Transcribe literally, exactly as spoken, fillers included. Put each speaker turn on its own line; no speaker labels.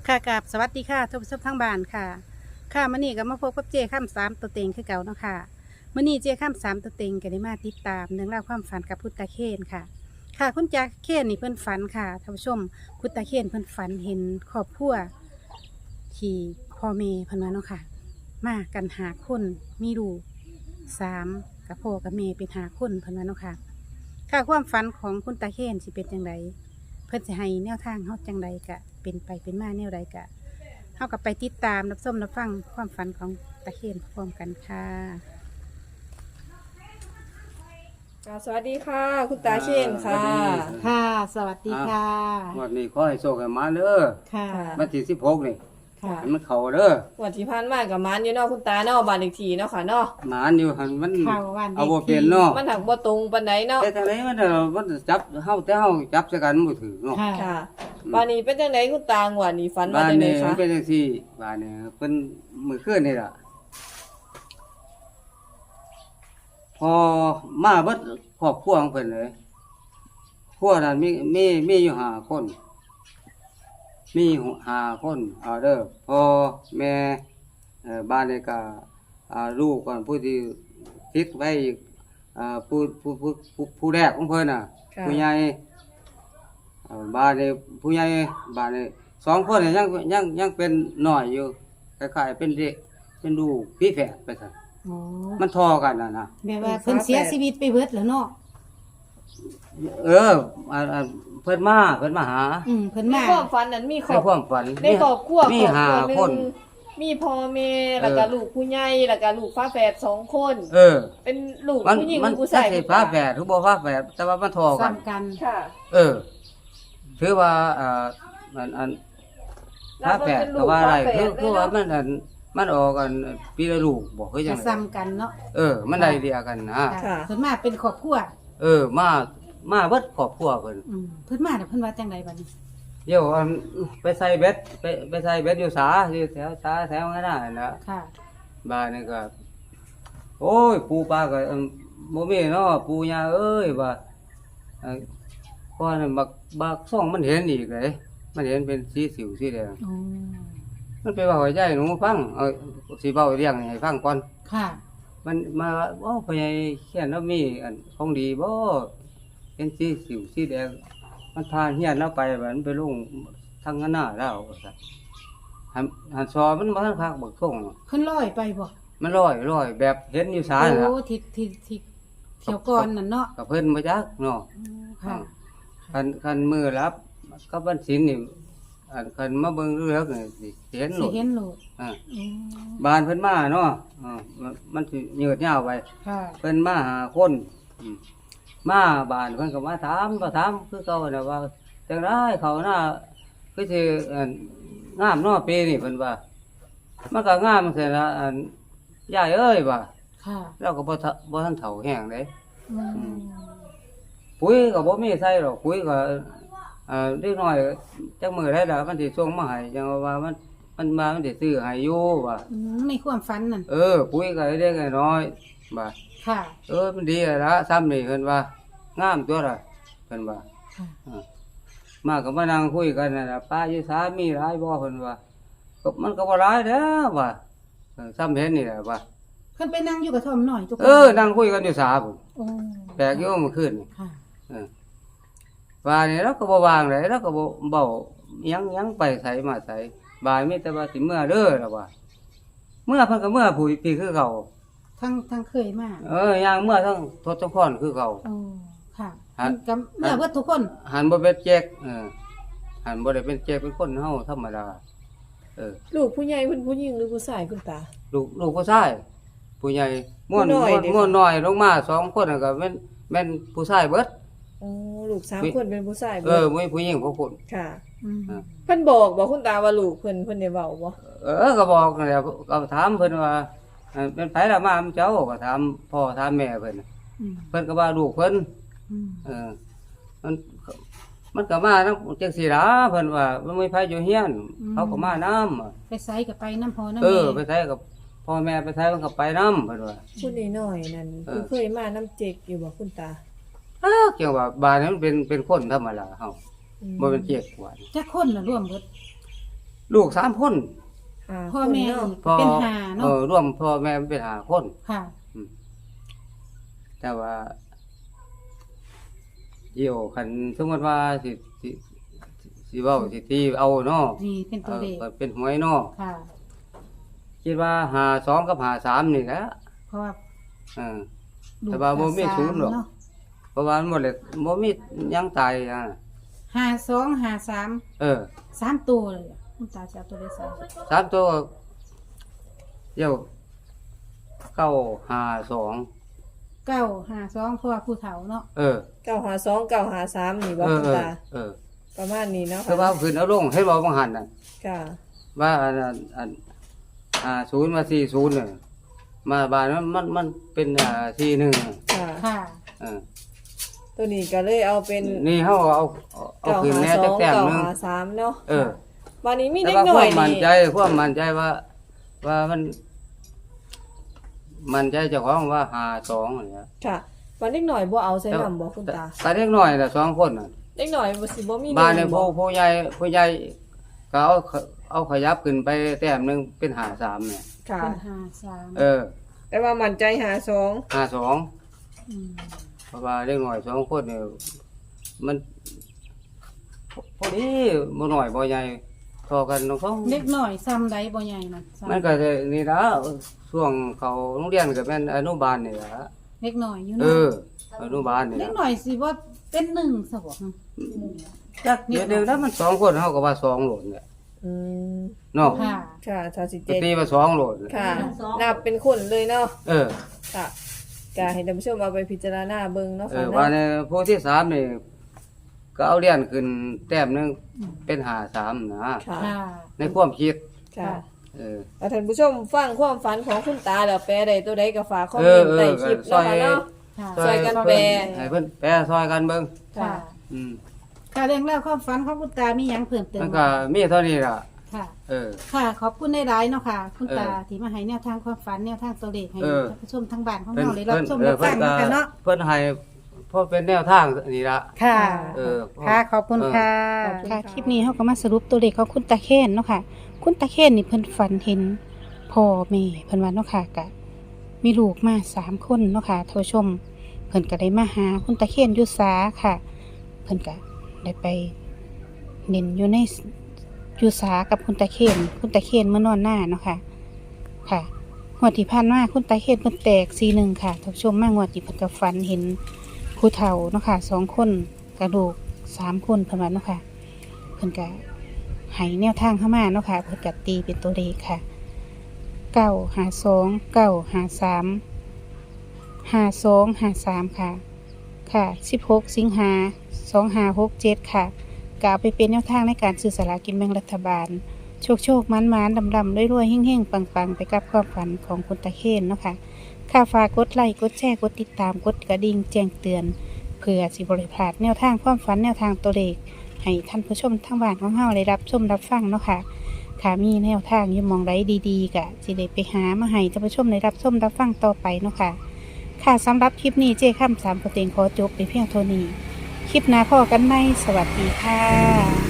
ค่ะกับสวัสดีค่ะทุกผู้ชมทั้งบ้านค่ะค่ะมื่อนี้ก็มาพบกับเจข้ามสามตัวเต็งคือเก่าเนาะค่ะมื่อนี้เจข้ามสามตัวเต็งก็ได้มาติดตามเรื่องราวความฝันกับพุทธาเคนค่ะ ค่ะคุณจาเคนนี่เพิ่นฝันค่ะท่านผู้ชมพุทธาเคนเพิ่นฝันเห็นครอบครัวที่พ่อแม่เพิ่นว่าเนาะค่ะ มากันหาคนมีลูกสามกับพ่อกับแม่เป็นหาคนเพิ่นว่าเนาะค่ะค่ะความฝันของคุณตาเคนสิเป็นจังได เพื่อจะให้แนวทางเฮาจังใดกะเป็นไปเป็นมาแนวใดกะเฮากับไปติดตามรับชมรับฟังความฝันของตะเคียนพร้อมกันค่ะ
อ่าสวัสดีค่ะ คุณตาเชนค่ะ
ค่ะ สวัสดีค่ะ
วันนี้ขอให้โชคให้มาเด้อ
ค่ะ
วันที่สิบหกนี่
ค่ะ
ให้มันเข้าเด้อ
วันที่ผ่านมากับมันอยู่เนาะคุณตาเนาะบ้านเลขที่เนาะค่ะเนาะ
หมานอยู่หันมัน
เข้าวัน
เอาบ่เป็นเนาะ
มันหักบ่ตรงปานใดเนาะ
แต่ทางไหนมันเด้อมันจับเฮาแต่เฮาจับใส่กันบ่ถือเนาะ
ค่ะ
ค่ะบ้านนี้เป็นจังไดคุณตางวดนี้ฝันว่า
บ้าน
จังได
นี้
คะ
มันเป็นจังซี่บ้านนี้เพิ่นมื้อคืนนี่ล่ะพอมาเบิดครอบครัวของเพิ่นเลยครัวนั้นมีมีมีอยู่ห้าคน มีห้าคนเอาเด้อพ่อแม่เอ่อบ้านนี้ก็อ่าลูกก่อนผู้ที่ติดไว้อีกอ่าผู้ผู้ผู้ผู้ผู้แรกของเพิ่นน่ะ
ค่ะ
ผู้ใหญ่เอ่อบ้านนี้ผู้ใหญ่บ้านนี้สองคนนี่ยังยังยังเป็นน้อยอยู่คล้ายๆเป็นเด็กเป็นลูกพี่แฝดไปซั่น
โอ้
มันทอกันน่ะนะ
แบบว่าเพิ่นเสียชีวิตไปเบิดแล้วเนาะ
เอออ่าอ่าเพิ่นมาเพิ่นมาหา
อืมเพิ่น
ใน
มา
ความฝันนั้นมีคร
ใน
อบ
ความฝัน
ในครอบครัว
มี
ครอบ
ห้า
ครัวหนึ
คน
งมีพ่อแม่แล้วก็ลูกผู้ใหญ่แล้วก็ลูกฝาแฝดสองคน
เออ
เป็นลูก
มัน
ผู้หญิง
มัน
หรือผู้
ใช่
ชาย
ฟ้าแฝดหรือบ่ฟ้าแฝดแต่ว่ามันทอกัน
ซ้ำกัน
ค่ะ
เออ ถือว่าอ่ามันอันฟ้าแฝดก็ว่าอะไรคือคือว่ามันอันมันออกกันปีละลูกบอกคือจั
จะ
งได
ซ้ำกันเนาะ
เออ มันได้เดียวกันนะ
ค่ะเพิ่นมาเป็นครอบครัว
เออ มามาเบิดครอบครัวเพิ่น
อืมเพิ่นมาแต่เพิ่นว่าจังใดบัดนี้
เดี๋ยวอันไปใส่เบ็ดไปไปใส่เบ็ดอยู่สาอยู่แถวสาแถวนั้นน่ะนะ
ค่ะ
บ้านนี่ก็โอ้ยปูปลาก็เอิ่มบ่มีเนาะปูย่าเอ้ยว่าเอ่อก่อนนั้นบักบักซ่องมันเห็นอีกเลยมันเห็นเป็นสีสิวสีแดง
โอ้
มันไปเว้าให้ยายหนูฟังเอาสิเว้าเรื่องให้ฟังก่อน
ค่ะ
มันมาว่าโอ้พ่อใหญ่เขียนแล้วมีอันของดีบ่เป็นสีสิวสีแดงมันพาเฮียนเราไปว่ามันไปลงทางหน้าแล้วว่าซั่นหันหันซอมันบ่ทันคักบักซ่อง
เพิ่นลอยไปบ่
มันลอยลอยแบบเห็นอยู่สา
โอ้
น่ะ
ทิศทิศทิศเที่ยวก่อนนั่นเนาะ
กับเพิ่นมาจักเนาะ
อืมค่ะ
คันคันมือรับกับวันศีลนี่อันคันมาเบิ่งเลือกนี่สิเห็นโล
สิ
ด
เห็นโลด
อ่า
อืม
บ้านเพิ่นมาเนาะอ่ามันมันสิยืดยาวไป
ค่ะ
เพิ่นมาหาคนอืมมาบ้านเพิ่นก็มาถามมาถามคือเก่าน่ะว่าจังไดเขาหน้าคือสิอันงามเนาะปีนี้เพิ่นว่า มันก็งามจังซี่ล่ะอันยายเอ้ยว่า
ค่ะ
เราก็บ่ทะบ่ทันเฒ่าแห้งเด้
อืม
ปุ๋ยก็บ่มีใส่หรอกปุ๋ยก็เอ่อเล็กน้อยจักมื้อได้ล่ะมันสิส่งมาให้จังว่ามันมันมามันสิซื้อให้อยู่ว่า
อืมในความฝันนั่น
เออปุ๋ยก็เล็กๆน้อยๆบ่า
ค่ะ
เออมันดีแล้วละซ้ำนี่เพิ่นว่างามตัวล่ะเพิ่นว่า
ค่ะ
อ่ามาก็มานั่งคุยกันนั่นล่ะป้าอยู่สามีหลายบ่เพิ่นว่าก็มันก็บ่หลายเด้อว่าเออซ้ำเห็นนี่แหละว่า
เพิ่นไปนั่งอยู่กับทอมหน่อยทุกคน
เออนั่งคุยกันอยู่สาพุ่น
โอ้
แปลกอยู่เมื่อคืนนี่
ค่ะ
เออว่านี่เราก็บ่วางเลยเราก็บ่เว้าหยังหยังไปไสมาไสบายมีแต่ว่าสิเมื่อเด้อล่ะว่าเมื่อเพิ่นก็เมื่อผู้พี่คือเก่า
ทั้งทั้งเคยมา
เออย่างเมื่อทั้งทศพรคือเก่า
โอ้ค่ะ
หัน
มันกับเมื่อเบิดทุกคน
หันบ่เป็นแจกเออหันบ่ได้เป็นแจกเป็นคนเฮาธรรมดาเออ
ลูกผู้ใหญ่เป็นผู้หญิงหรือผู้ชายคุณตา
ลูกลูกผู้ชายผู้ใหญ่ม่วน
ผู้น้อย
ม่วน
เด้อ
ม่วนน้อยลงมาสองคนน่ะก็แม่นแม่นผู้ชายเบิด
อ๋อลูกสามคนเป็นผู้ชาย
เออมีผู้หญิงผู้คน
ค่ะ
อืม
อ่า
เพิ่นบอกบอกคุณตาว่าลูกเพิ่นเพิ่นได้เว้าบ่
เออก็บอกนั่นแหละก็ถามเพิ่นว่าเอ่อเป็นไผล่ะมาอำเจ้าก็ถามพ่อถามแม่เพิ่นน่ะ
อืม
เพิ่นก็ว่าลูกเพิ่น
อืม
เออมันมันก็มานำจังซี่ล่ะเพิ่นว่ามันมีไผอยู่เฮียน เขาก็มานำ
ไปไสกับไปน้ำพอน้ำ
เอ
แม่
อไปไสกับพ่อแม่ไปไสมันก็ไปนํเพิ่นว่า
ผู้น้อยๆนั่น
เออ
คือเคยมาน้ำเจกอยู่บ่คุณตา
อ้าวเกี่ยวว่าบ้านนี้มันเป็นเป็นคนธรรมดาเฮา
อืม
บ่เป็นเจ๊กว่า
จักคนน่ะร่วมเบิด
ลูกสามคน
อ่า
พ่อแม่
คนเนาะ
อีกเป็นหา
เอ
เนาะ
อร่วมพ่อแม่เป็นห้าคน
ค่ะ
แต่ว่าเกี่ยวคันสมมติว่าสิสิสิเว้าสิตีเอาเนาะ
นี่เป็นตัวเลข
เออเป็นหวยเนาะ
ค่ะ
คิดว่าหาสองกับหาสามนี่แหละ
เพราะว่า
เออ
ลูก
แต่ว่าบ่มี
ส
ศูนย์หรอก
เนาะ
เพราะว่ามันหมดเลยบ่มีหยังตายอ่ะ
ห้าสองห้าสาม
เออ
สามตัวเลยอะคุณตาจะเอาตัวเลขสาม
สามตัวเดี๋ยวเก้าหาสอง
เก้าห้าสองเพราะว่าผู้เฒ่าเนาะ
เออ
เก้าหาสองเก้าหาสามนี่บ่
เออ
คุณ
เออ
ตา
เออ
ประมาณนี้เนาะ
แต่ว่าขึ้นเอาลงให้บอกบางหันน่ะ
ค่ะ
ว่าอันอันอันอ่าศูนย์มาสี่ศูนย์เนี่ยมาบานมันมันมันเป็นอ่าสี่หนึ่ง
ค่ะ
ค่ะ
เออ
ตัวนี้ก็เลยเอาเป็น
นี่เขาเอาเอาเอา
เก้า
ขึ้น
หา
แน่
ส
จั
อก ง
แต้ม
เก้า
หนึง
หาสามเนาะ
เออ
วันนี้มี
แต่
เด็ก
ว่า
หน่
ค
อ
วาย มมั่น
นี่
ใจความมั่นใจว่า ว่ามัน มั่นใจเจ้าของว่าหาสองเนี่ย
ค่ะวันเด็กหน่อยบ่เอาใส่นำบ่คุณตา
แต่เล็กน้อยน่ะสองคนน่ะ
เด็กหน่อยบ่สิบ่มี
บ้านเนี่ย
บ่
ผู้ผู้ใหญ่ผู้ใหญ่ก็เอาเอาขยับขึ้นไปแต้มหนึงเป็นหาสามเนี่ย
ค่ะ
เป็นห้าสาม
เออ
แต่ว่ามั่นใจหาสอง
หาสอง
ม
เพราะว่าเล็กน้อยสองคนเนี่ยมันพอดีบ่น้อยบ่ใหญ่เทอกันน้องเขา
เล็กหน่อยซ้ำใดบ่ใหญ่นะซ้ำ
มันก็จะนี่ละช่วงเขาโรงเรียนก็แม่นอนุบาลนี่ละ
เล็กหน่อยอยู่
เอ
เนาะ
ออนุบาลนี่
เล็ก
ละ
หน่อยสิว่าเป็นหนึ่งสวง
จักเดี๋ยวเดียวแล้วมันสองคนเฮาก็ว่าสองโหลดเนี่ย
อืม
เนาะ
ค่ะ
ค่ะถ้าสิ
ก็
เจ็ด
ตีว่าสองโหลด
ค่ะ นับเป็นคนเลยเนาะ
เออ
ค่ะก็ให้ท่านผู้ชมเอาไปพิจารณาเบิ่งเนาะ
เอ
ค่ะ
อ
เนาะ
ว่าในผู้ที่สามนี่ก็เอาเรียนขึ้นแต้มหนึงเป็นหาสามนะ
ค่ะ
ค่ะ
ในความคิด
ค่ะ
เออ
แล้วท่านผู้ชมฟังความฝันของคุณตาแล้วแปลได้ตัวใดก็ฝากคอม
เอ
เม
อน
ต์ใต้คลิป
เออ
เนาะค่ะเนาะ
ค่ะ
ช่วยกันแปล
ให้เพิ่นแปลซอยกันเบิ่ง
ค่ะ
อืม
ค่ะเรื่องเล่าวความฝันของคุณตามีหยังเพิ่มเติม
มันก็มีเท่านี้ล่ะ
ค่ะ
เออ
ค่ะ ขอบคุณในหลายๆเนาะค่ะ คุณตา
เออ
ที่มาให้แนวทางความฝันแนวทางตัวเลขให้
เออ
ท่านผู้ชมทั้งบ้านของ
เพิ่น
เราได้รับ
เพิ่น
ชม
เอ
รั
อบ เพิ่
ฟั
น
ง
ก็
กันเนาะ
เพิ่นให้เพราะเป็นแนวทางนี่ละ
ค่ะ
เออ
ค่ะ ขอบคุณค่ะ
ขอบคุณ
ค่ะ
ค่ะ
คลิปนี้เขาก็มาสรุปตัวเลขของคุณตาเคนเนาะค่ะ คุณตาเคนนี่เพิ่นฝันเห็นพ่อแม่เพิ่นว่าเนาะค่ะกะมีลูกมาสามคนเนาะค่ะท่านผู้ชม เพิ่นก็ได้มาหาคุณตาเคนอยู่สาค่ะ เพิ่นก็ได้ไปเน้นอยู่ในอยู่สากับคุณตาเคนคุณตาเคนเมื่อนอนหน้าเนาะค่ะ ค่ะงวดที่ผ่านมาคุณตาเคนเพิ่นแตกซีหนึ่งค่ะท่านผู้ชมมางวดที่เพิ่นก็ฝันเห็นผู้เฒ่าเนาะค่ะสองคนกระดูกสามคนเพิ่นว่าเนาะค่ะ เพิ่นก็ให้แนวทางเข้ามาเนาะค่ะเพิ่นก็ตีเป็นตัวเลขค่ะเก้าหาสองเก้าหาสามห้าสองห้าสามค่ะ ค่ะสิบหกสิงหาสองห้าหกเจ็ดค่ะกเอาไปเป็นแนวทางในการซื้อสลากกินแบ่งรัฐบาล โชคโชคมันมันดำดำรวยรวยเฮ่งเฮ่งปังปังไปกับความฝันของคุณตาเคนเนาะค่ะค่าฝากกดไลค์กดแชร์กดติดตามกดกระดิ่งแจ้งเตือน เพื่อสิบริพลาดแนวทางความฝันแนวทางตัวเลขให้ท่านผู้ชมทั้งบ้านของเฮาได้รับชมรับฟังเนาะค่ะค่ะมีแนวทางอยิ่มองไรดีๆกะสิได้ไปหามาให้ท่านผู้ชมได้รับชมรับฟังต่อไปเนาะค่ะค่ะสำหรับคลิปนี้เจ้ข้ามสามประเต็งขอจบไปเพียงเท่านี้คลิปหน้าพอกันในสวัสดีค่ะ